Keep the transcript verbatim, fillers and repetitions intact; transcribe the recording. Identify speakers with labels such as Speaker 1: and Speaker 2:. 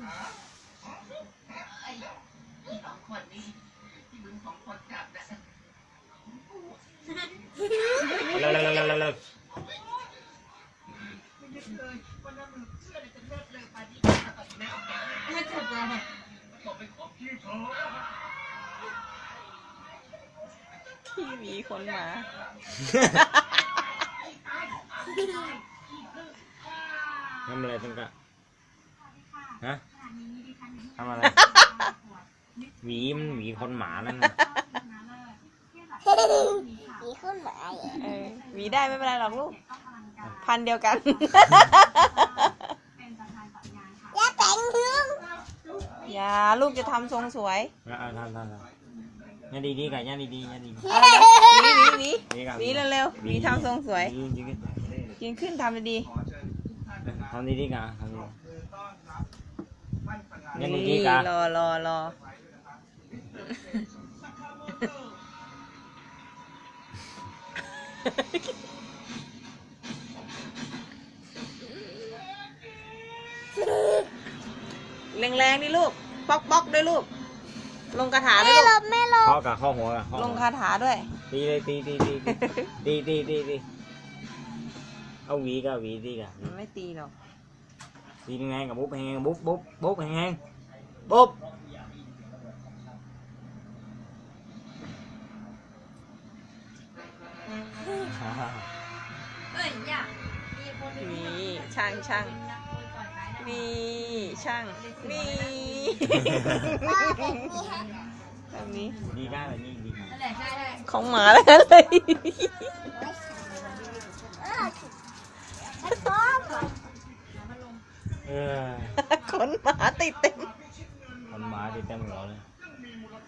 Speaker 1: ไอ้สองคนนี้ที่มึงสองคนจับนะ
Speaker 2: เร็วเร็วเร็วเร็วเร็วเร็ว
Speaker 1: ไม่นึกเลยว่าน้ำมือเชื่อจะเลิกเลยป่านนี้ตัดแม่แก
Speaker 3: ไม่ถูกเลย
Speaker 1: บอกเป็นของพี่เขา
Speaker 4: พี่หมีคนหมา
Speaker 2: ทำอะไรตั้งกะฮะทำอะไรหวีมันหวีคนหมาแล้วนะ
Speaker 3: มีขึ้นหมาเหรอ
Speaker 4: เออหวีได้ไม่เป็นไรหรอกลูก พันเดียวกัน
Speaker 3: อย่าแต่งเรื่อง
Speaker 4: อย่าลูกจะทำทรงสวย
Speaker 2: เอาทำทำทำยันดีดีกันยันดีดียันดี
Speaker 4: เอาเลยหวีหวีหวี
Speaker 2: ดีกัน
Speaker 4: หวีเร็วๆหวีทำทรงสวย
Speaker 2: จริงจริง
Speaker 4: ยืนขึ้นทำดี
Speaker 2: ทำดีดีกันทำดี
Speaker 4: ๆ
Speaker 2: ยันดีดีกัน
Speaker 4: รอรอรอแรงๆดิลูกป๊อกป๊อกด้วยลูก ลงคาถาด้ว
Speaker 3: ไม่
Speaker 4: ย
Speaker 3: หล
Speaker 4: ลูก
Speaker 3: บไม่หลบ
Speaker 2: ข้อกับข้อหัวกับข้อ
Speaker 4: ลงคาถาด้วย
Speaker 2: ตีเลยตีตีตีตีตีตีตีเอาหวีกับหวีตีกัน
Speaker 4: มันไม่ตีหรอก
Speaker 2: ตีแรงกับบุ๊บแหงบุ๊บบุ๊บบุ๊บแหงบุ๊บ
Speaker 3: เอ้ยอย่ามีคน
Speaker 4: นี่ช่างช่างนี่ช่างนี่
Speaker 3: ว่าแบบนี้ฮะ
Speaker 4: แบบนี้
Speaker 2: ดีกันแบบนี้ดีกัน
Speaker 3: นั่นแหละใช่ใช่
Speaker 4: ของหมาแล้วเลย
Speaker 3: เออฉันชอบอ่ะ
Speaker 2: เออ
Speaker 4: ขนหมาติดเต็ม
Speaker 2: คนหมาติดเต็มหัวเลย
Speaker 1: มีมูล